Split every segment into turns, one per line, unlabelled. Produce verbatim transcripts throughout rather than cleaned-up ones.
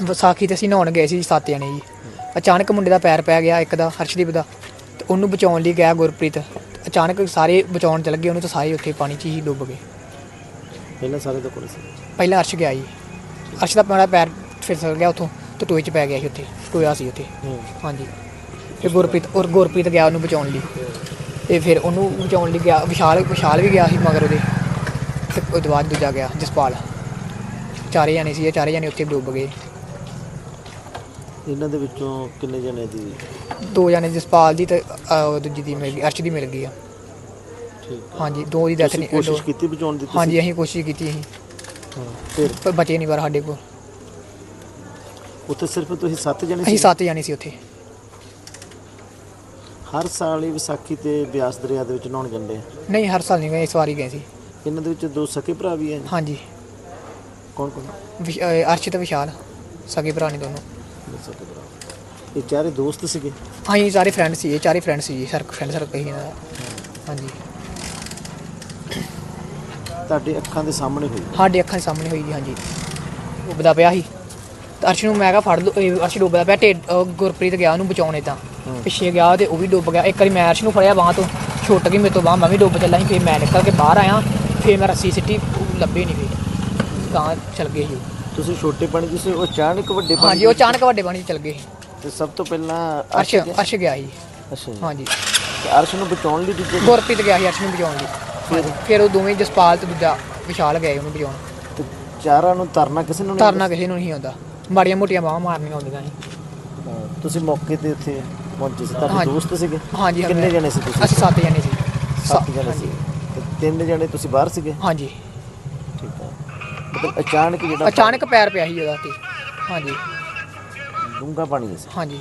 ਵਿਸਾਖੀ ਤੇ ਅਸੀਂ ਨਹਾਉਣ ਗਏ ਸੀ ਸੱਤ ਜਣੇ ਜੀ। ਅਚਾਨਕ ਮੁੰਡੇ ਦਾ ਪੈਰ ਪੈ ਗਿਆ, ਇੱਕ ਦਾ ਹਰਸ਼ਦੀਪ ਦਾ, ਤੇ ਉਹਨੂੰ ਬਚਾਉਣ ਲਈ ਗਿਆ ਗੁਰਪ੍ਰੀਤ। ਅਚਾਨਕ ਸਾਰੇ ਬਚਾਉਣ ਚਲੇ ਗਏ ਉਹਨੂੰ, ਤਾਂ ਸਾਰੇ ਉੱਥੇ ਪਾਣੀ 'ਚ ਹੀ ਡੁੱਬ ਗਏ।
ਪਹਿਲਾਂ ਸਾਰੇ ਤੋਂ ਕੋਲ ਸੀ।
ਪਹਿਲਾਂ ਅਰਸ਼ ਗਿਆ ਜੀ, ਅਰਸ਼ ਦਾ ਮੇਰਾ ਪੈਰ ਫਿਸਲ ਗਿਆ ਉੱਥੋਂ, ਤੇ ਟੋਏ 'ਚ ਪੈ ਗਿਆ ਸੀ ਉੱਥੇ, ਟੋਇਆ ਸੀ ਉੱਥੇ। ਹਾਂਜੀ, ਫਿਰ ਗੁਰਪ੍ਰੀਤ ਔਰ ਗੁਰਪ੍ਰੀਤ ਗਿਆ ਉਹਨੂੰ ਬਚਾਉਣ ਲਈ, ਤੇ ਫਿਰ ਉਹਨੂੰ ਬਚਾਉਣ ਲਈ ਗਿਆ ਵਿਸ਼ਾਲ ਵਿਸ਼ਾਲ ਵੀ ਗਿਆ ਸੀ ਮਗਰ ਉਹਦੇ, ਤੇ ਉਹ ਤੋਂ ਬਾਅਦ ਦੂਜਾ ਗਿਆ ਜਸਪਾਲ। ਚਾਰੇ ਜਾਣੇ ਸੀ, ਇਹ ਚਾਰੇ ਜਾਣੇ ਉੱਥੇ ਡੁੱਬ ਗਏ।
ਇਹਨਾਂ ਦੇ ਵਿੱਚੋਂ ਕਿੰਨੇ ਜਣੇ ਦੀ?
ਦੋ ਜਾਣੇ ਜਸਪਾਲ ਦੀ ਤੇ ਦੂਜੀ ਦੀ ਮਿਲ ਗਈ, ਅਰਸ਼ ਦੀ ਮਿਲ ਗਈ ਆ।
ਠੀਕ।
ਹਾਂਜੀ, ਦੋ ਦੀ ਡੈਥ ਨਹੀਂ।
ਕੋਸ਼ਿਸ਼ ਕੀਤੀ ਬਚਾਉਣ ਦੀ?
ਹਾਂਜੀ, ਅਸੀਂ ਕੋਸ਼ਿਸ਼ ਕੀਤੀ ਸੀ,
ਫਿਰ
ਪਰ ਬਚੇ ਨਹੀਂ ਪਰ ਸਾਡੇ ਕੋਲ।
ਉੱਥੇ ਸਿਰਫ ਤੁਸੀਂ ਸੱਤ ਜਣੇ
ਅਸੀਂ
ਸੀ?
ਸੱਤ ਜਾਣੇ ਸੀ ਉੱਥੇ।
ਹਰ ਸਾਲ ਹੀ ਵਿਸਾਖੀ ਤੇ ਬਿਆਸ ਦਰਿਆ ਦੇ ਵਿੱਚ ਨਹਾਉਣ ਜਾਂਦੇ ਆ?
ਨਹੀਂ, ਹਰ ਸਾਲ ਨਹੀਂ ਗਏ, ਇਸ ਵਾਰੀ ਗਏ ਸੀ।
ਇਹਨਾਂ ਦੇ ਵਿੱਚ ਦੋ ਸਕੇ ਭਰਾ ਵੀ ਹੈ?
ਹਾਂਜੀ,
ਕੌਣ ਕੌਣ?
ਵਿਸ਼- ਅਹ ਅਰਸ਼ ਤੇ ਵਿਸ਼ਾਲ, ਸਗੇ ਭਰਾ ਨੇ ਦੋਨੋਂ।
ਸਕੇ ਭਰਾ। ਇਹ ਚਾਰੇ ਦੋਸਤ ਸੀਗੇ?
ਹਾਂਜੀ, ਸਾਰੇ ਫਰੈਂਡ ਸੀ, ਇਹ ਚਾਰੇ ਫਰੈਂਡ ਸੀ ਜੀ, ਸਰ ਫਰੈਂਡ ਸਰਕਲ ਹੀ ਇਹਨਾਂ ਦਾ। ਹਾਂਜੀ,
ਤੁਹਾਡੇ ਅੱਖਾਂ ਦੇ ਸਾਹਮਣੇ ਹੋਈ?
ਸਾਡੇ ਅੱਖਾਂ ਦੇ ਸਾਹਮਣੇ ਹੋਈ ਜੀ। ਹਾਂਜੀ, ਡੁੱਬਦਾ ਪਿਆ ਸੀ, ਤੇ ਅਰਸ਼ ਨੂੰ ਮੈਂ ਕਿਹਾ ਫੜ ਲਓ, ਇਹ ਅਰਸ਼ ਡੁੱਬਦਾ ਪਿਆ। ਢਿੱਡ ਅਹ ਗੁਰਪ੍ਰੀਤ ਗਿਆ ਉਹਨੂੰ ਬਚਾਉਣ, ਇੱਦਾਂ ਪਿੱਛੇ ਗਿਆ ਤੇ ਉਹ ਵੀ ਡੁੱਬ ਗਿਆ। ਇੱਕ ਵਾਰੀ ਮੈਂ ਅਰਸ਼ ਨੂੰ ਫੜਿਆ ਬਾਂਹ ਤੋਂ, ਛੁੱਟ ਗਈ ਮੇਰੇ ਤੋਂ ਬਾਂਹ, ਮੈਂ ਵੀ ਡੁੱਬ ਚੱਲਾ ਸੀ। ਫਿਰ ਮੈਂ ਨਿਕਲ ਕੇ ਬਾਹਰ ਆਇਆ, ਫਿਰ ਮੈਂ ਰੱਸੀ ਸਿੱਟੀ, ਉਹ ਲੱਭੇ ਨਹੀਂ, ਫਿਰ ਤਾਂ ਚੱਲ ਗਏ ਸੀ।
ਤੁਸੀਂ ਛੋਟੇ ਪਾਣੀ ਜਿਸੇ ਉਹ ਅਚਾਨਕ ਵੱਡੇ ਪਾਣੀ?
ਹਾਂਜੀ, ਉਹ ਅਚਾਨਕ ਵੱਡੇ ਪਾਣੀ 'ਚ ਚੱਲ ਗਏ ਸੀ।
ਤੇ ਸਭ ਤੋਂ ਪਹਿਲਾਂ
ਅਰਸ਼ ਅਰਸ਼ ਗਿਆ ਸੀ।
ਅੱਛਾ ਜੀ।
ਹਾਂਜੀ,
ਤੇ ਅਰਸ਼ ਨੂੰ ਬਚਾਉਣ ਲਈ ਦੂਜੇ?
ਗੁਰਪ੍ਰੀਤ ਗਿਆ ਸੀ ਅਰਸ਼ ਨੂੰ ਬਚਾਉਣ ਲਈ। ਫਿਰ ਫਿਰ ਉਹ ਦੋਵੇਂ ਜਸਪਾਲ ਤੇ ਦੂਜਾ ਵਿਸ਼ਾਲ ਗਏ ਉਹਨੂੰ ਬਚਾਉਣ।
ਤੇ ਚਾਰਾਂ ਨੂੰ ਤਰਨਾ ਕਿਸੇ ਨੂੰ ਨਹੀਂ
ਤਰਨਾ ਕਿਸੇ ਨੂੰ ਨਹੀਂ ਆਉਂਦਾ, ਮਾੜੀਆਂ ਮੋਟੀਆਂ ਬਾਹਾਂ ਮਾਰਨੀਆਂ ਆਉਂਦੀਆਂ ਸੀ।
ਹਾਂ, ਤੁਸੀਂ ਮੌਕੇ ਤੇ ਉੱਥੇ ਪਹੁੰਚੇ ਸੀ? ਤੁਹਾਡੇ
ਹਾਂਜੀ।
ਦੋਸਤ ਸੀਗੇ?
ਹਾਂਜੀ,
ਕਿੰਨੇ ਜਣੇ ਸੀ ਤੁਸੀਂ?
ਅਸੀਂ ਸੱਤ ਜਣੇ ਸੀ।
ਸੱਤ ਜਣੇ
ਹਾਂਜੀ।
ਸੀ। ਤੇ ਤਿੰਨ ਜਣੇ ਤੁਸੀਂ ਬਾਹਰ ਸੀਗੇ?
ਹਾਂਜੀ,
ਠੀਕ ਹੈ। ਮਤਲਬ ਅਚਾਨਕ ਜਿਹੜਾ
ਅਚਾਨਕ ਪੈਰ ਪਿਆ ਸੀ ਉਹਦਾ ਤੇ। ਹਾਂਜੀ
ਡੂੰਘਾ ਪਾਣੀ ਸੀ?
ਹਾਂਜੀ।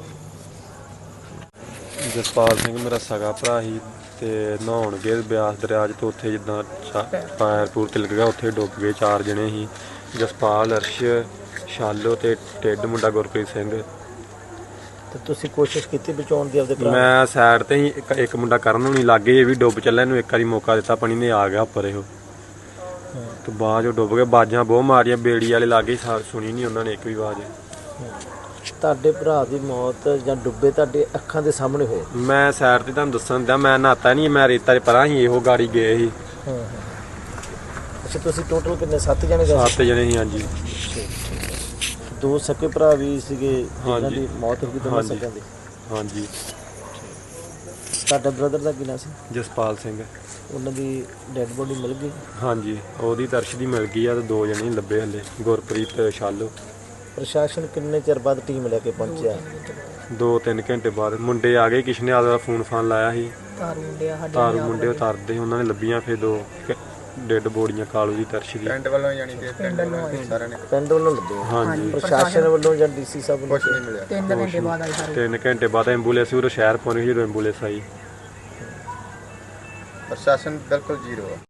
ਜਸਪਾਲ ਸਿੰਘ ਮੇਰਾ ਸਗਾ ਭਰਾ ਸੀ, ਤੇ ਨਹਾਉਣ ਗਏ ਬਿਆਸ ਦਰਿਆ 'ਚ, ਤੇ ਉੱਥੇ ਜਿੱਦਾਂ ਪੈਰ ਪੂਰ ਤਿਲਕ ਗਿਆ, ਉੱਥੇ ਡੁੱਬ ਗਏ। ਚਾਰ ਜਣੇ ਸੀ, ਜਸਪਾਲ, ਅਰਸ਼, ਸ਼ਾਲੋ ਤੇ ਢਿੱਡ ਮੁੰਡਾ ਗੁਰਪ੍ਰੀਤ ਸਿੰਘ।
ਤੇ ਤੁਸੀਂ ਕੋਸ਼ਿਸ਼ ਕੀਤੀ ਬਚਾਉਣ ਦੀ ਆਪਦੇ ਭਰਾ?
ਮੈਂ ਸਾਈਡ ਤੇ ਹੀ, ਇੱਕ ਇੱਕ ਮੁੰਡਾ ਕਰਨ ਨੂੰ ਨਹੀਂ ਲੱਗੇ, ਇਹ ਵੀ ਡੁੱਬ ਚੱਲਿਆ, ਇਹਨੂੰ ਇੱਕ ਵਾਰੀ ਮੌਕਾ ਦਿੱਤਾ, ਪਾਣੀ ਨੇ ਆ ਗਿਆ ਉੱਪਰ ਇਹੋ, ਤੇ ਬਾਅਦ 'ਚੋਂ ਡੁੱਬ ਗਏ। ਬਾਜਾਂ ਬਹੁਤ ਮਾਰੀਆਂ, ਬੇੜੀ ਵਾਲੇ ਲਾਗੇ ਸੁਣੀ ਨਹੀਂ ਉਹਨਾਂ ਨੇ ਇੱਕ ਵੀ ਆਵਾਜ਼।
ਤੁਹਾਡੇ ਭਰਾ ਦੀ ਮੌਤ ਜਾਂ ਡੁੱਬੇ ਤੁਹਾਡੇ ਅੱਖਾਂ ਦੇ ਸਾਹਮਣੇ ਹੋਏ?
ਮੈਂ ਸਾਈਡ ਤੇ ਤੁਹਾਨੂੰ ਦੱਸਣ ਦਿਆਂ, ਮੈਂ ਨਹਾਤਾ ਨਹੀਂ, ਮੈਂ ਰੇਤਾ 'ਚ ਪਰਾਂ ਸੀ, ਇਹੋ ਗਾੜੀ ਗਏ ਸੀ।
ਹਾਂ ਹਾਂ। ਅੱਛਾ, ਤੁਸੀਂ ਟੋਟਲ ਕਿੰਨੇ? ਸੱਤ ਜਣੇ ਗਏ?
ਸੱਤ ਜਣੇ ਸੀ। ਹਾਂਜੀ।
ਦੋ ਸਕੇ ਭਰਾ ਵੀ ਸੀਗੇ ਜਿਨ੍ਹਾਂ ਦੀ ਮੌਤ ਹੋ ਗਈ ਦੋਨਾਂ
ਹਾਂਜੀ।
ਸਕਿਆਂ ਦੀ?
ਹਾਂਜੀ।
ਤੁਹਾਡਾ ਬ੍ਰਦਰ ਦਾ ਕੀ ਨਾਂ ਸੀ?
ਜਸਪਾਲ ਸਿੰਘ।
ਉਹਨਾਂ ਦੀ ਡੈੱਡ ਬੋਡੀ ਮਿਲ ਗਈ?
ਹਾਂਜੀ, ਉਹਦੀ ਦਰਸ਼ ਦੀ ਮਿਲ ਗਈ ਆ, ਤੇ ਦੋ ਜਣੇ ਹੀ ਲੱਭੇ ਹਲੇ, ਗੁਰਪ੍ਰੀਤ ਤੇ ਸ਼ਾਲੋ।
ਪ੍ਰਸ਼ਾਸਨ ਕਿੰਨੇ ਚਿਰ ਬਾਅਦ ਟੀਮ ਲੈ ਕੇ ਪਹੁੰਚਿਆ?
ਦੋ ਤਿੰਨ ਘੰਟੇ ਬਾਅਦ ਮੁੰਡੇ ਆ ਗਏ, ਕਿਸ਼ਨੇ ਆਲਾ ਦਾ ਫੋਨ ਫਾਨ ਲਾਇਆ ਸੀ,
ਤਾਰੂ ਮੁੰਡੇ ਆ ਸਾਡੇ,
ਤਾਰੂ ਮੁੰਡੇ ਉਤਾਰਦੇ, ਉਹਨਾਂ ਨੇ ਲੱਭੀਆਂ ਫਿਰ ਦੋ ਡੈਡ ਬੋਡੀਆਂ, ਕਾਲੂ ਦੀ, ਦਰਸ਼ ਦੀ।
ਪਿੰਡ ਵੱਲੋਂ ਜਾਣੀ ਕਿ ਪਿੰਡ ਵੱਲੋਂ ਸਾਰਿਆਂ ਨੇ
ਪਿੰਡ ਵੱਲੋਂ ਲੱਗੇ?
ਹਾਂਜੀ।
ਪ੍ਰਸ਼ਾਸਨ ਵੱਲੋਂ ਜਾਂ ਡੀਸੀ ਸਾਹਿਬ ਵੱਲੋਂ?
ਕੁਛ ਨਹੀਂ ਮਿਲਿਆ।
ਤਿੰਨ ਘੰਟੇ ਬਾਅਦ ਆਏ ਸਾਰੇ।
ਤਿੰਨ ਘੰਟੇ ਬਾਅਦ ਐਂਬੂਲੈਂਸ ਉਰੇ ਸ਼ਹਿਰ ਪਹੁੰਚ ਗਈ, ਜਦੋਂ ਐਂਬੂਲੈਂਸ ਆਈ।
ਪ੍ਰਸ਼ਾਸਨ ਬਿਲਕੁਲ ਜ਼ੀਰੋ ਆ।